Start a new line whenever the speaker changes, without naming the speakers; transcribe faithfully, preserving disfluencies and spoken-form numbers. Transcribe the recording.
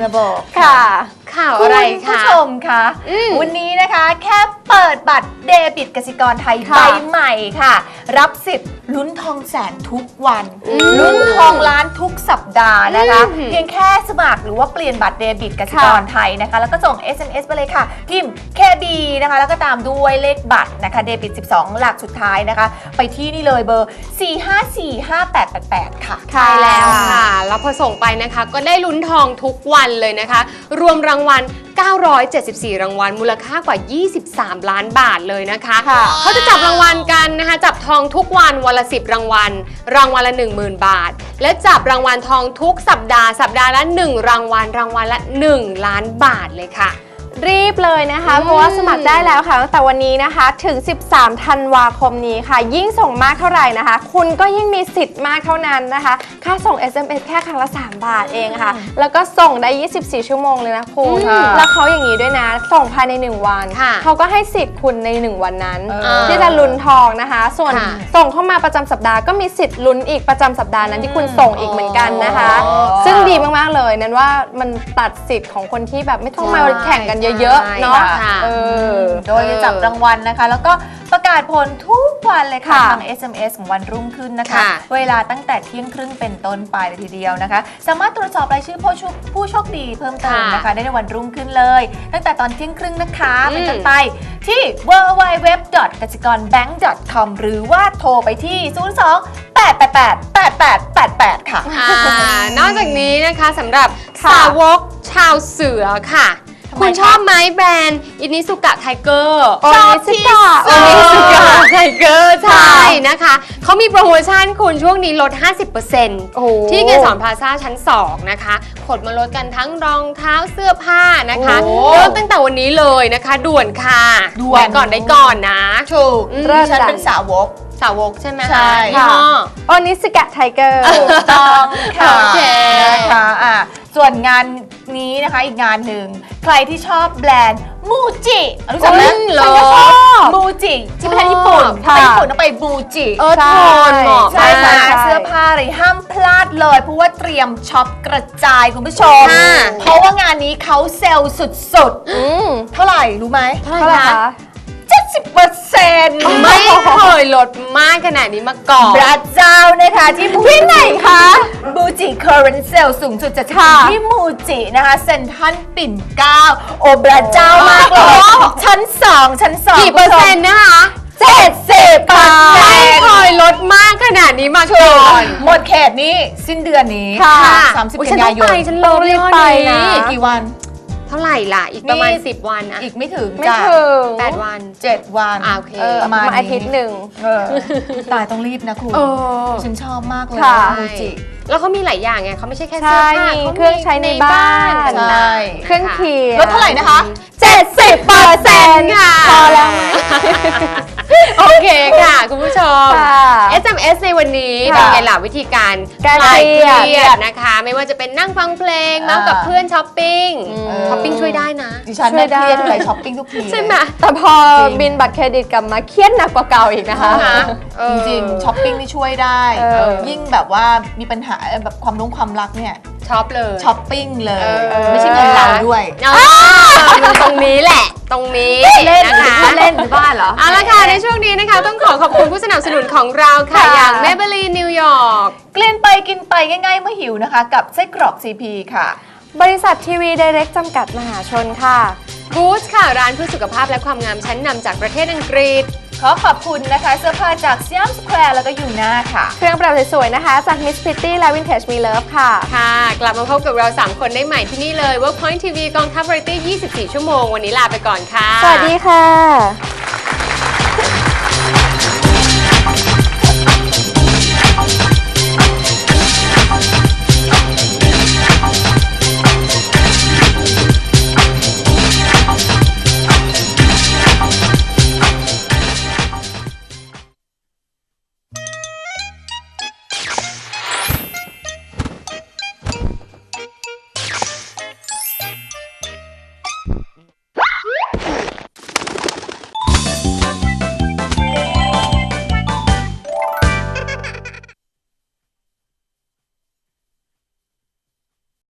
มาบอก
ค่ะ
ข่าวอะไรคะคุณผู้ชมคะวันนี้นะคะแค่เปิดบัตรเดบิตกสิกรไทยใบใหม่ค่ะรับสิทธิ์ลุ้นทองแสนทุกวันลุ้นทองล้านทุกสัปดาห์นะคะเพียงแค่สมัครหรือว่าเปลี่ยนบัตรเดบิตกสิกรไทยนะคะแล้วก็ส่ง เอส เอ็ม เอส ไปเลยค่ะพิมพ์ เค บี นะคะแล้วก็ตามด้วยเลขบัตรนะคะเดบิตสิบสองหลักสุดท้ายนะคะไปที่นี่เลยเบอร์สี่ห้าสี่ห้าแปดแปดแปดค่ะ
ใช่แล้วค่ะแล้วพอส่งไปนะคะก็ได้ลุ้นทองทุกวันเลยนะคะรวมรางวัลเก้าร้อยเจ็ดสิบสี่รางวัลมูลค่ากว่ายี่สิบสามล้านบาทเลยนะคะเขาจะจับรางวัลกันนะคะจับทองทุกวันวันละสิบรางวัลรางวัลละ หนึ่งหมื่น บาทและจับรางวัลทองทุกสัปดาห์สัปดาห์ละหนึ่งรางวัลรางวัลละหนึ่งล้านบาทเลยค่ะ
รีบเลยนะคะเพราะว่าสมัครได้แล้วค่ะตั้งแต่วันนี้นะคะถึงสิบสามธันวาคมนี้ค่ะยิ่งส่งมากเท่าไหร่นะคะคุณก็ยิ่งมีสิทธิ์มากเท่านั้นนะคะค่าส่ง เอส เอ็ม เอส แค่ครั้งละสามบาทเองค่ะแล้วก็ส่งได้ยี่สิบสี่ชั่วโมงเลยนะคุณแล้วเขาอย่างนี้ด้วยนะส่งภายในหนึ่งวันเขาก็ให้สิทธิ์คุณในหนึ่งวันนั้นที่จะลุ้นทองนะคะส่วนส่งเข้ามาประจำสัปดาห์ก็มีสิทธิ์ลุ้นอีกประจำสัปดาห์นั้นที่คุณส่งอีกเหมือนกันนะคะซึ่งดีมากๆเลยนั้นว่ามันตัดสิทธิ์ของคนที่แบบไม่ต้องมาแข่งกันเยอะๆเนาะ
โดยจะจับรางวัลนะคะแล้วก็ประกาศผลทุกวันเลยค่ะทาง เอส เอ็ม เอส ของวันรุ่งขึ้นนะคะเวลาตั้งแต่เที่ยงครึ่งเป็นต้นไปเลยทีเดียวนะคะสามารถตรวจสอบรายชื่อผู้โชคดีเพิ่มเติมนะคะได้ในวันรุ่งขึ้นเลยตั้งแต่ตอนเที่ยงครึ่งนะคะเป็นต้นไปที่ ดับเบิลยู ดับเบิลยู ดับเบิลยู ดอท กสิกรแบงก์ ดอท คอม หรือว่าโทรไปที่ศูนย์ สอง แปด แปด แปด แปด แปด แปด แปดค่ะ
นอกจากนี้นะคะสำหรับสาวกชาวเสือค่ะคุณชอบไหมแบรนด์อินิสุกะไทเกอร์
ชอบที่สุด
อินิสุกะไทเกอร์ใช่นะคะเขามีโปรโมชั่นคุณช่วงนี้ลด ห้าสิบเปอร์เซ็นต์ ที่เกสรพลาซ่าชั้นสองนะคะขนมาลดกันทั้งรองเท้าเสื้อผ้านะคะเริ่มตั้งแต่วันนี้เลยนะคะด่วนค่ะด่วนก่อนได้ก่อนนะ
ถูกฉันเป็นสาวก
สาวกใช่ไหม
ใช่
ค่ะ
โอนิสกะไทเกอร์
ถูกต้องค่ะโอเคนะคะอ่ะส่วนงานนี้นะคะอีกงานหนึ่งใครที่ชอบแบรนด์มูจิรู้จักไหม
เหรอ
มูจิที่ประเทศญี่ปุ่นถ้าไปญี่ปุ่นต้องไปมูจิ
เออทนเหมาะ
ใช่ไหมเสื้อผ้าอะไรห้ามพลาดเลยเพราะว่าเตรียมช็อปกระจายคุณผู้ชมเพราะว่างานนี้เขาเซลล์สุดๆเท่าไหร่รู้ไหม
เท่าไหร่คะ
เจ็ดสิบเปอร์เซ็นต์
ไม่เคยลดมากขนาดนี้มาก่อน
พระเจ้านะคะที่ที่ไหนคะมูจิเคอร์เรนเซลสูงสุดจะที่มูจินะคะเซ็นทรัลปิ่นเกล้าโอ้พระเจ้ามากเลยชั้นสองชั้นสอง
กี่เปอร์เซ็นต์นะคะ
เจ็ดสิบเปอร์เซ็นต์
ไม่เคยลดมากขนาดนี้มาก่อน
หมดเขตนี้สิ้นเดือนนี้สามสิบกันยายน
ฉันลงรีบไปนะ
กี่วัน
เท่าไหร่ล่ะอีกประมาณสิบวันอะ
อีกไม่ถึง
ไม่ถึง
แปดวัน
เจ็ดวัน
โอเค
มา
อาทิตย์หนึ่ง
ตายต้องรีบนะคุณฉันชอบมากเลยมูจิ
แล้วเขามีหลายอย่างไงเขาไม่ใช่แค่เสื้อผ้า
มีเครื่องใช้ในบ้านเครื่องเคียง
ลดเท่าไหร่นะคะ
เจ็ดสิบเปอร์เซ็นต์
ค่ะ
พอแล้วไหม
โอเคค่ะคุณผู้ชม เอส เอ็ม เอส ในวันนี้เป็นไงล่ะวิธีการคลายเครียดนะคะไม่ว่าจะเป็นนั่งฟังเพลงนั่งกับเพื่อนช้อปปิ้งช้อปปิ้งช่วยได้นะ
ดิฉันไม่เครียดอะไรช้อปปิ้งทุกที
ใช่ไหม
แต่พอบินบัตรเครดิตกลับมาเครียดหนักกว่าเก่าอีกนะคะ
จริงๆช้อปปิ้งนี่ช่วยได้ยิ่งแบบว่ามีปัญหาแบบความรุ้งความรักเนี่ย
ช็อปเลย
ช้อปปิ้งเลยไม่ใช่เงินเราด้วย
ตรงนี้แหละตรงนี้นะคะ
เล่นหรือบ้านเหรอ
เอาละค่ะในช่วงนี้นะคะต้องขอขอบคุณผู้สนับสนุนของเราค่ะอย่าง Maybelline New York
เกลียนไปกินไปง่ายๆเมื่อหิวนะคะกับไส้กรอก ซี พี ค่ะ
บริษัททีวีไดเรกจำกัดมหาชนค่ะ
บูสค่ะร้านเพื่อสุขภาพและความงามชั้นนำจากประเทศอังกฤษ
ขอขอบคุณนะคะเสื้อผ้าจากสยามสแควร์แล้วก็ยูน่าค่ะ
เครื่องประดับสวยๆนะคะจาก Miss Pretty และ Vintage We Love ค่ะ
ค่ะกลับมาพบกับเราสามคนได้ใหม่ที่นี่เลย Workpoint ที วี กองทัพวาไรตี้ยี่สิบสี่ชั่วโมงวันนี้ลาไปก่อนค่ะ
สวัสดีค่ะ